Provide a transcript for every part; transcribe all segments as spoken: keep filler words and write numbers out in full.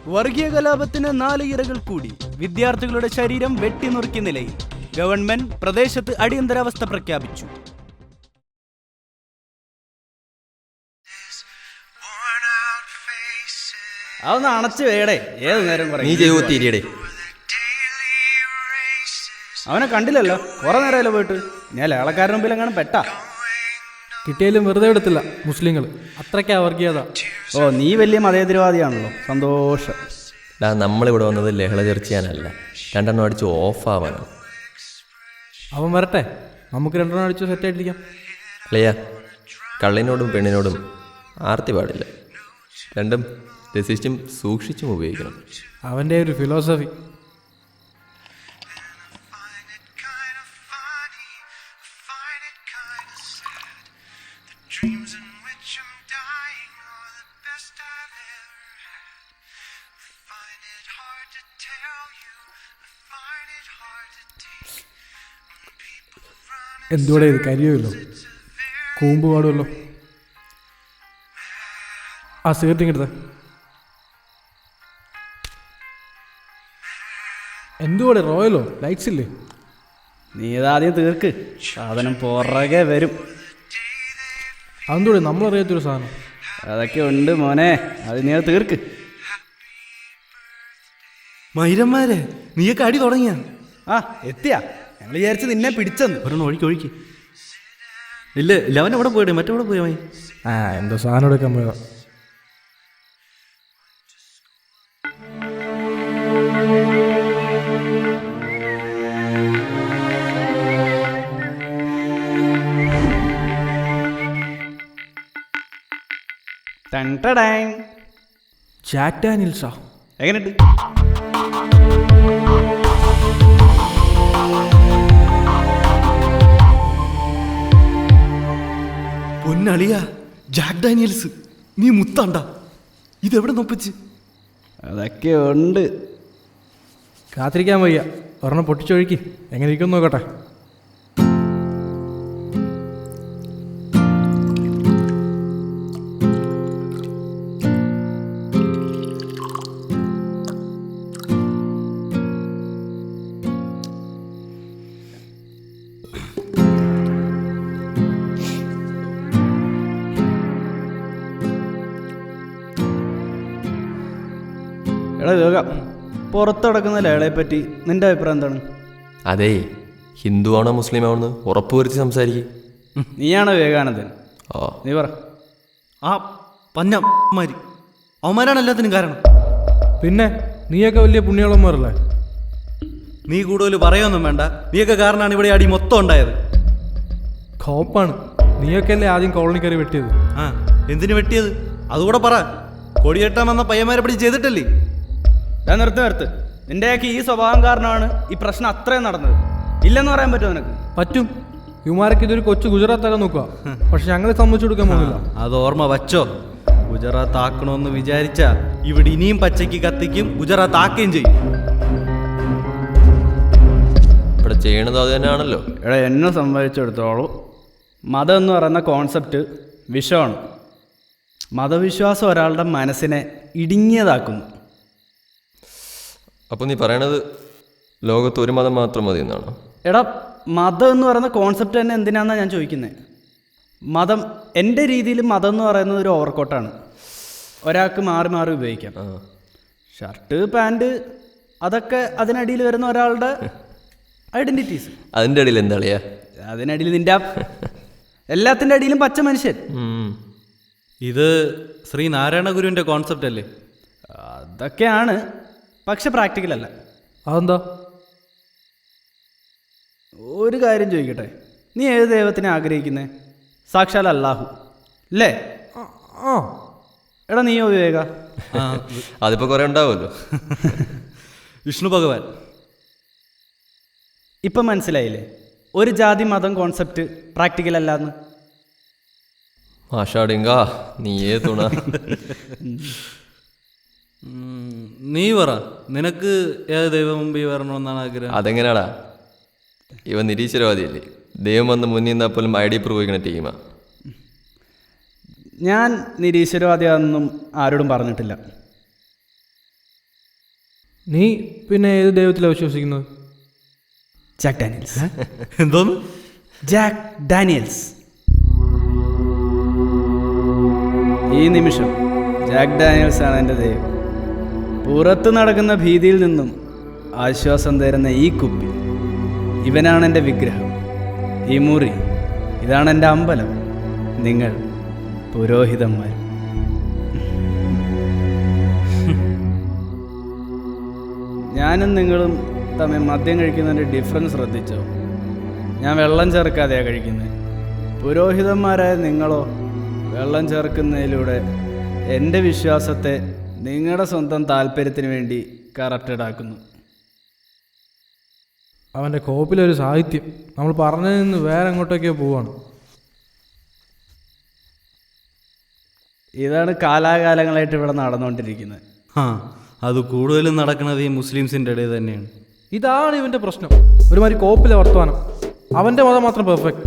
വർഗീയ കലാപത്തിന് നാല് ഇരകൾ കൂടി. വിദ്യാർത്ഥികളുടെ ശരീരം വെട്ടിനുറുക്കിയ നിലയിൽ. ഗവൺമെന്റ് പ്രദേശത്ത് അടിയന്തരാവസ്ഥ പ്രഖ്യാപിച്ചു. അതൊന്ന് അണച്ചു വേടേ, ഏത് നേരം പറയും. അവനെ കണ്ടില്ലല്ലോ, കുറെ നേരമല്ലോ പോയിട്ട്. ഞാൻ ലേളക്കാരന് മുമ്പിൽ എങ്ങനെ പെട്ടാ. കിട്ടിയാലും വെറുതെ എടുത്തില്ല മുസ്ലിങ്ങൾ, അത്രയ്ക്കാ വർഗീയത. ഓ, നീ വലിയ മതേതരവാദിയാണല്ലോ, സന്തോഷം. നമ്മളിവിടെ വന്നത് ലഹള ചർച്ച ചെയ്യാനല്ല, രണ്ടെണ്ണം അടിച്ച് ഓഫാവാനോ. അവൻ വരട്ടെ, നമുക്ക് രണ്ടെണ്ണം അടിച്ച് സെറ്റായിട്ടിരിക്കാം. അല്ലയ്യ, കള്ളിനോടും പെണ്ണിനോടും ആർത്തി പാടില്ല. രണ്ടും രസിച്ചും സൂക്ഷിച്ചും ഉപയോഗിക്കണം. അവൻ്റെ ഒരു ഫിലോസഫി. എന്തുകൂടെ ഇത് കരിയുമല്ലോ, കൂമ്പ് പാടുമല്ലോ. ആ സിഗരറ്റ് ഇങ്ങെടുത്ത. എന്തുകൂടെ റോയലോ, ലൈറ്റ്സ് ഇല്ലേ? നീ ഇതാദ്യം തീർക്ക്, സാധനം പുറകെ വരും. അതെന്തൂടെ നമ്മളറിയാത്തൊരു സാധനം. അതൊക്കെ ഉണ്ട് മോനെ, അത് നീ അത് തീർക്ക്. മൈരന്മാരെ, നീയൊക്കെ അടി തുടങ്ങിയ? ആ എത്തിയാ, ഞങ്ങൾ വിചാരിച്ച് നിന്നെ പിടിച്ചെന്ന്. ഒരെണ്ണം ഒഴുക്കി ഒഴുക്കി. ഇല്ല ഇല്ല, അവൻ എവിടെ പോയിടേ, മറ്റെവിടെ പോയ മൈ? ആ എന്തോ സാധനം എടുക്കാൻ പോയതാ. ജാക്ക് ഡാനിയൽസാ, എങ്ങനെയുണ്ട്? പൊന്നളിയ, ജാക്ക് ഡാനിയൽസ്, നീ മുത്താണ്ട. ഇതെവിടെ നൊപ്പിച്ച്? അതൊക്കെ ഉണ്ട്. കാത്തിരിക്കാൻ വയ്യ, ഒരെണ്ണം പൊട്ടിച്ചൊഴുക്കി എങ്ങനെ ഇരിക്കും നോക്കട്ടെ. എടാ യോഗ, പുറത്ത് നടക്കുന്ന ലേളയെ പറ്റി നിന്റെ അഭിപ്രായം എന്താണ്? അതേ, ഹിന്ദു ആണോ മുസ്ലിം ആണോ ഉറപ്പുവരുത്തി സംസാരിക്കും. നീയാണോ വിവേകാനന്ദൻ? ഓ, നീ പറ. ആ പഞ്ഞമാരി അവന്മാരാണ് എല്ലാത്തിനും കാരണം. പിന്നെ നീയൊക്കെ വലിയ പുണ്യാളന്മാരല്ലേ? നീ കൂടുതൽ പറയൊന്നും വേണ്ട, നീയൊക്കെ കാരണമാണ് ഇവിടെ അടി മൊത്തം ഉണ്ടായത്. കോപ്പാണ്, നീയൊക്കെ അല്ലേ ആദ്യം കോളനി കയറി വെട്ടിയത്. ആ, എന്തിനു വെട്ടിയത്? അതുകൂടെ പറ. കൊടിയേട്ടാൻ വന്ന പയ്യന്മാരെ പിടി ചെയ്തിട്ടല്ലേ? ഞാൻ നിർത്ത് നിർത്ത്. നിന്റെയൊക്കെ ഈ സ്വഭാവം കാരണമാണ് ഈ പ്രശ്നം അത്രയും നടന്നത്. ഇല്ലെന്ന് പറയാൻ പറ്റുമോ നിനക്ക്? പറ്റും. യുമാരൊക്കെ ഇതൊരു കൊച്ചു ഗുജറാത്താക്കാൻ നോക്കുക, പക്ഷെ ഞങ്ങളെ സമ്മതിച്ചു കൊടുക്കാൻ പോകുന്നില്ല. അത് ഓർമ്മ വച്ചോ. ഗുജറാത്ത് ആക്കണമെന്ന് വിചാരിച്ച ഇവിടെ ഇനിയും പച്ചയ്ക്ക് കത്തിക്കും, ഗുജറാത്ത് ആക്കുകയും ചെയ്യും. ഇവിടെ ചെയ്യണത് അത് തന്നെയാണല്ലോ. എടാ, എന്നെ സംബന്ധിച്ചിടത്തോളം മതം എന്ന് പറയുന്ന കോൺസെപ്റ്റ് വിഷമാണ്. മതവിശ്വാസം ഒരാളുടെ മനസ്സിനെ ഇടുങ്ങിയതാക്കുന്നു. അപ്പോൾ നീ പറയണത് ലോകത്ത് ഒരു മതം മാത്രം മതി എന്നാണോ? എടാ, മതം എന്ന് പറയുന്ന കോൺസെപ്റ്റ് തന്നെ എന്തിനാണെന്നാണ് ഞാൻ ചോദിക്കുന്നത്. മതം, എൻ്റെ രീതിയിൽ മതം എന്ന് പറയുന്നത് ഒരു ഓവർകോട്ടാണ്. ഒരാൾക്ക് മാറി മാറി ഉപയോഗിക്കാം. ഷർട്ട്, പാൻറ്, അതൊക്കെ അതിനടിയിൽ വരുന്ന ഒരാളുടെ ഐഡൻറ്റിറ്റീസ്. അതിൻ്റെ അടിയിൽ എന്താ കളിയാ? അതിനടിയിൽ നിൻ്റെ എല്ലാത്തിൻ്റെ അടിയിലും പച്ച മനുഷ്യൻ. ഇത് ശ്രീ നാരായണ ഗുരുവിൻ്റെ കോൺസെപ്റ്റ് അല്ലേ? അതൊക്കെയാണ്, പക്ഷെ പ്രാക്ടിക്കൽ അല്ല. അതെന്താ? ഒരു കാര്യം ചോദിക്കട്ടെ, നീ ഏത് ദൈവത്തിനെ ആഗ്രഹിക്കുന്നേ? സാക്ഷാൽ അല്ലാഹു അല്ലേ? ആ എടാ, നീയോ വിവേക? അതിപ്പോൾ കുറേ ഉണ്ടാവുമല്ലോ. വിഷ്ണു ഭഗവാൻ. ഇപ്പം മനസ്സിലായില്ലേ ഒരു ജാതി മതം കോൺസെപ്റ്റ് പ്രാക്ടിക്കൽ അല്ലാന്ന്? മാഷാടിങ്ക, നീയേ തുണ. നീ പറ, നിനക്ക് ഏത് ദൈവം മുമ്പിൽ വരണമെന്നാണ് ആഗ്രഹം? അതെങ്ങനെയാടാ, ഇവ നിരീശ്വരവാദിയല്ലേ? ദൈവം വന്ന് മുന്നിൽ നിന്നാൽ പോലും ഐ ഡി പ്രൂവ് ചെയ്യുന്ന ടീമാ. ഞാൻ നിരീശ്വരവാദിയാണെന്നും ആരോടും പറഞ്ഞിട്ടില്ല. നീ പിന്നെ ഏത് ദൈവത്തിലാണ് വിശ്വസിക്കുന്നത്? Jack Daniels. എന്തോന്ന്? Jack Daniels. ഈ നിമിഷം ജാക്ക് ഡാനിയൽസ് ആണ് എൻ്റെ ദൈവം. പുറത്ത് നടക്കുന്ന ഭീതിയിൽ നിന്നും ആശ്വാസം തരുന്ന ഈ കുപ്പി, ഇവനാണ് എൻ്റെ വിഗ്രഹം. ഈ മുറി, ഇതാണ് എൻ്റെ അമ്പലം. നിങ്ങൾ പുരോഹിതന്മാർ. ഞാനും നിങ്ങളും തമ്മിൽ മദ്യം കഴിക്കുന്നതിൻ്റെ ഡിഫറൻസ് ശ്രദ്ധിച്ചോ? ഞാൻ വെള്ളം ചേർക്കാതെയാണ് കഴിക്കുന്നത്. പുരോഹിതന്മാരായ നിങ്ങളോ വെള്ളം ചേർക്കുന്നതിലൂടെ എൻ്റെ വിശ്വാസത്തെ നിങ്ങളുടെ സ്വന്തം താല്പര്യത്തിന് വേണ്ടി കറക്റ്റഡാക്കുന്നു. അവൻ്റെ കോപ്പിലൊരു സാഹിത്യം നമ്മൾ പറഞ്ഞതിൽ നിന്ന് വേറെ എങ്ങോട്ടൊക്കെയോ പോവാണ്. ഇതാണ് കാലാകാലങ്ങളായിട്ട് ഇവിടെ നടന്നുകൊണ്ടിരിക്കുന്നത്. ആ അത് കൂടുതലും നടക്കുന്നത് ഈ മുസ്ലിംസിൻ്റെ ഇടയിൽ തന്നെയാണ്. ഇതാണ് ഇവൻ്റെ പ്രശ്നം. ഒരുമാതിരി കോപ്പിലെ വർത്തമാനം. അവൻ്റെ മതം മാത്രം പെർഫെക്റ്റ്.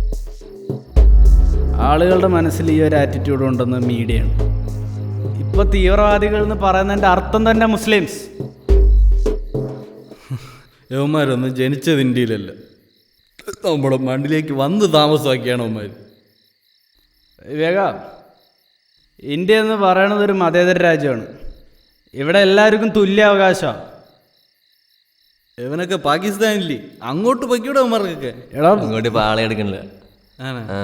ആളുകളുടെ മനസ്സിൽ ഈ ഒരു ആറ്റിറ്റ്യൂഡ് ഉണ്ടെന്ന് മീഡിയയാണ്. ഇപ്പോൾ തീവ്രവാദികൾ എന്ന് പറയുന്നതിൻ്റെ അർത്ഥം തന്നെ മുസ്ലിംസ്. യവന്മാരൊന്നും ജനിച്ചത് ഇന്ത്യയിലല്ല, നമ്മുടെ മണ്ണിലേക്ക് വന്ന് താമസമാക്കിയാണ് അവന്മാർ. വിവേക, ഇന്ത്യ എന്ന് പറയണത് ഒരു മതേതര രാജ്യമാണ്. ഇവിടെ എല്ലാവർക്കും തുല്യ അവകാശമാണ്. ഇവനൊക്കെ പാകിസ്ഥാനില്ലേ, അങ്ങോട്ട് പൊയ്ക്കൂടെ അവന്മാർക്കൊക്കെ. എടാ അങ്ങോട്ട് ഇപ്പോൾ ആളെ എടുക്കണില്ല. ആണോ? ആ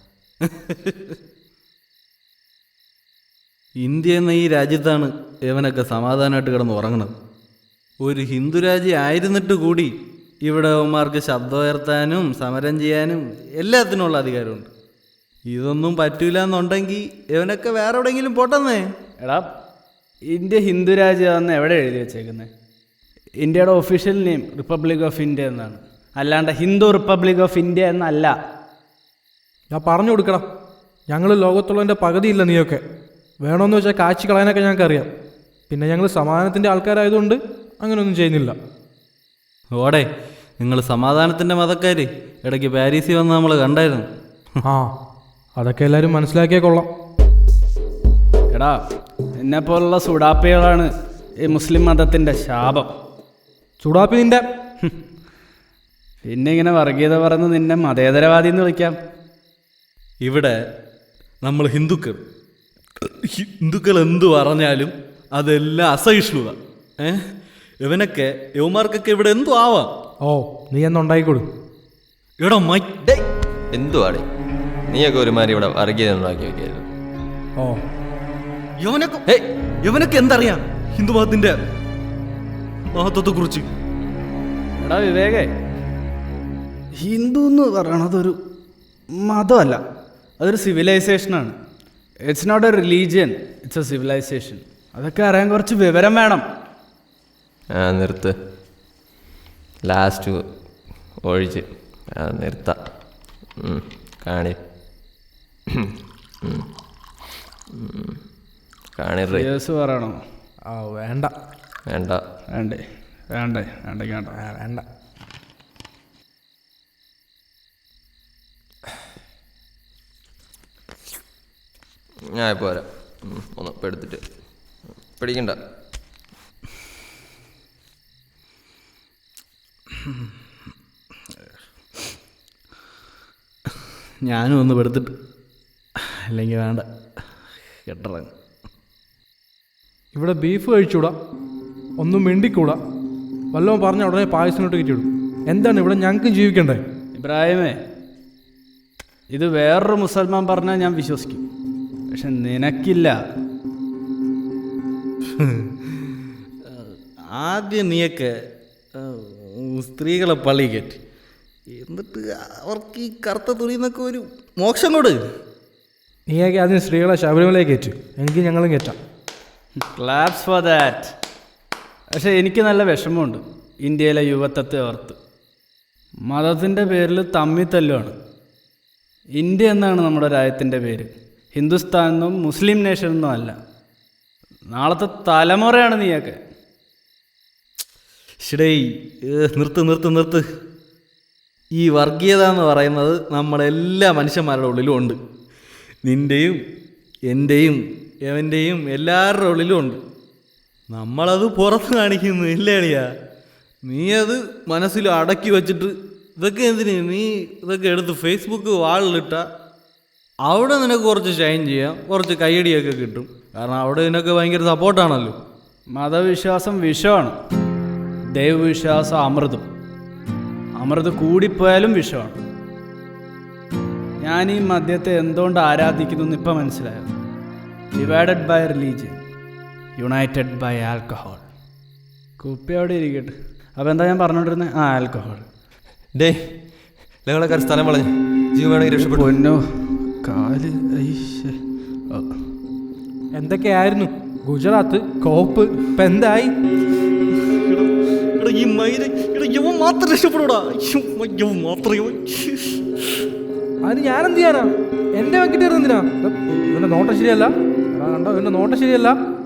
ഇന്ത്യ എന്ന ഈ രാജ്യത്താണ് ഇവനൊക്കെ സമാധാനമായിട്ട് കിടന്ന് ഉറങ്ങണത്. ഒരു ഹിന്ദു രാജ്യം ആയിരുന്നിട്ട് കൂടി ഇവിടെ അവന്മാർക്ക് ശബ്ദമുയർത്താനും സമരം ചെയ്യാനും എല്ലാത്തിനുള്ള അധികാരമുണ്ട്. ഇതൊന്നും പറ്റൂല എന്നുണ്ടെങ്കിൽ ഇവനൊക്കെ വേറെ എവിടെയെങ്കിലും പോട്ടെന്നേ. എടാ, ഇന്ത്യ ഹിന്ദു രാജ്യമാണെന്ന് എവിടെ എഴുതി വെച്ചേക്കുന്നത്? ഇന്ത്യയുടെ official name Republic of India എന്നാണ്, അല്ലാണ്ട് ഹിന്ദു റിപ്പബ്ലിക് ഓഫ് ഇന്ത്യ എന്നല്ല. ഞാൻ പറഞ്ഞു കൊടുക്കണം, ഞങ്ങൾ ലോകത്തുള്ളതിൻ്റെ പകുതിയില്ല നീയൊക്കെ. വേണമെന്ന് വെച്ചാൽ കാച്ചി കളയാനൊക്കെ ഞങ്ങൾക്കറിയാം. പിന്നെ ഞങ്ങൾ സമാധാനത്തിൻ്റെ ആൾക്കാരായതുകൊണ്ട് അങ്ങനെയൊന്നും ചെയ്യുന്നില്ല. ഓടെ നിങ്ങൾ സമാധാനത്തിൻ്റെ മതക്കാർ ഇടയ്ക്ക് പാരീസിൽ വന്ന് നമ്മൾ കണ്ടായിരുന്നു. ആ അതൊക്കെ എല്ലാവരും മനസ്സിലാക്കിയേ കൊള്ളാം. എടാ, എന്നെപ്പോലുള്ള സുഡാപ്പികളാണ് ഈ മുസ്ലിം മതത്തിൻ്റെ ശാപം. ചൂടാപ്പി നിൻ്റെ. പിന്നെ ഇങ്ങനെ വർഗീയത പറഞ്ഞ് നിന്നെ മതേതരവാദി എന്ന് വിളിക്കാം. ഇവിടെ നമ്മൾ ഹിന്ദുക്കൾ ഹിന്ദുക്കൾ എന്തു പറഞ്ഞാലും അതെല്ലാം അസഹിഷ്ണുത. ഏ ഇവനൊക്കെ യവന്മാർക്കൊക്കെ ഇവിടെ എന്തു ആവാം. ഓ നീ എന്നുണ്ടായിക്കൊടു. എടാ മൈ എന്തുവാടേ, നീയൊക്കെ ഒരുമാതിരി ഇവിടെ വർഗീയത ഉണ്ടാക്കി വെക്കായിരുന്നു. ഓ യവനൊക്കെ ഏയ് യവനൊക്കെ എന്തറിയാം ഹിന്ദു മതത്തിന്റെ മഹത്വത്തെ കുറിച്ച്? എടാ വിവേകേ, ഹിന്ദു എന്ന് പറയണതൊരു മതമല്ല, അതൊരു സിവിലൈസേഷനാണ്. It's not a religion, it's a civilisation. അതൊക്കെ അറിയാൻ കുറച്ച് വിവരം വേണം. ആ നിർത്ത്, ലാസ്റ്റ് ഒഴിച്ച് ആ നിർത്താം. കാണി കാണി കേസ് പറയണോ? ആ വേണ്ട വേണ്ട വേണ്ടേ വേണ്ടേ വേണ്ട വേണ്ട ആ, വേണ്ട. ഞാൻ ഇപ്പോൾ വരാം. ഒന്ന് ഇപ്പം എടുത്തിട്ട് പിടിക്കണ്ട. ഞാനും ഒന്ന് പെടുത്തിട്ട്, അല്ലെങ്കിൽ വേണ്ട കെട്ടിറങ്ങ. ഇവിടെ ബീഫ് കഴിച്ചൂടാ, ഒന്നും മിണ്ടിക്കൂടാ. വല്ലതും പറഞ്ഞ ഉടനെ പായസത്തിനോട്ട് കയറ്റിവിടും. എന്താണ് ഇവിടെ ഞങ്ങൾക്കും ജീവിക്കണ്ടേ? ഇബ്രാഹിമേ, ഇത് വേറൊരു മുസൽമാൻ പറഞ്ഞാൽ ഞാൻ വിശ്വസിക്കും, പക്ഷെ നിനക്കില്ല. ആദ്യം നീയൊക്കെ സ്ത്രീകളെ പള്ളി കയറ്റി, എന്നിട്ട് അവർക്ക് ഈ കറുത്ത തുണിന്നൊക്കെ ഒരു മോക്ഷം കൊടു. നീയൊക്കെ അതിന് സ്ത്രീകളെ ശബരിമലയെ കയറ്റും, എനിക്ക് ഞങ്ങളും കയറ്റാം. Claps for that. പക്ഷെ എനിക്ക് നല്ല വിഷമമുണ്ട് ഇന്ത്യയിലെ യുവത്വത്തെ ഓർത്ത്. മതത്തിൻ്റെ പേരിൽ തമ്മിൽ തല്ലുമാണ്. ഇന്ത്യ എന്നാണ് നമ്മുടെ രാജ്യത്തിൻ്റെ പേര്, ഹിന്ദുസ്ഥാൻ എന്നും മുസ്ലിം നേഷൻ എന്നും അല്ല. നാളത്തെ തലമുറയാണ് നീയൊക്കെ. ഷിടേയ് നിർത്ത് നിർത്ത് നിർത്ത്. ഈ വർഗീയത എന്ന് പറയുന്നത് നമ്മളെല്ലാ മനുഷ്യന്മാരുടെ ഉള്ളിലും ഉണ്ട്. നിൻ്റെയും എൻ്റെയും എവൻ്റെയും എല്ലാവരുടെ ഉള്ളിലും ഉണ്ട്. നമ്മളത് പുറത്ത് കാണിക്കുന്നു ഇല്ലേടിയാ? നീ അത് മനസ്സിൽ അടക്കി വെച്ചിട്ട് ഇതൊക്കെ എന്തിന് നീ ഇതൊക്കെ എടുത്ത് ഫേസ്ബുക്ക് വാളിലിട്ട അവിടെ നിനക്ക് കുറച്ച് ഷൈൻ ചെയ്യാം, കുറച്ച് കയ്യടിയൊക്കെ കിട്ടും. കാരണം അവിടെ നിനക്ക് ഭയങ്കര സപ്പോർട്ടാണല്ലോ. മതവിശ്വാസം വിഷമാണ്, ദൈവവിശ്വാസം അമൃതും. അമൃത് കൂടിപ്പോയാലും വിഷമാണ്. ഞാൻ ഈ മദ്യത്തെ എന്തുകൊണ്ട് ആരാധിക്കുന്നു എന്ന് ഇപ്പം മനസ്സിലായോ? Divided by religion, united by alcohol. കുപ്പി അവിടെ ഇരിക്കട്ടെ. അപ്പോൾ എന്താ ഞാൻ പറഞ്ഞുകൊണ്ടിരുന്നത്? ആ, ആൽക്കഹോൾ. ഡേ ഞങ്ങളൊക്കെ സ്ഥലം വളഞ്ഞു ജീവൻ വേണമെങ്കിൽ രക്ഷപ്പെട്ടു. പൊന്നോ കാല് ഐശ്ശേ. ഓ. എന്തൊക്കെയായിരുന്നു ഗുജറാത്ത് കോപ്പ് ഇപ്പം എന്തായി? ഈ മൈര യവൻ മാത്രം രക്ഷപ്പെടൂടാ, യവൻ മാത്രം. അതിന് ഞാനെന്ത് ചെയ്യാനാ? എൻ്റെ വെക്കിട്ട് എന്തിനാ? ഇവൻ്റെ നോട്ടം ശരിയല്ല. എടാ കണ്ടോ, ഇവൻ്റെ നോട്ടം ശരിയല്ല.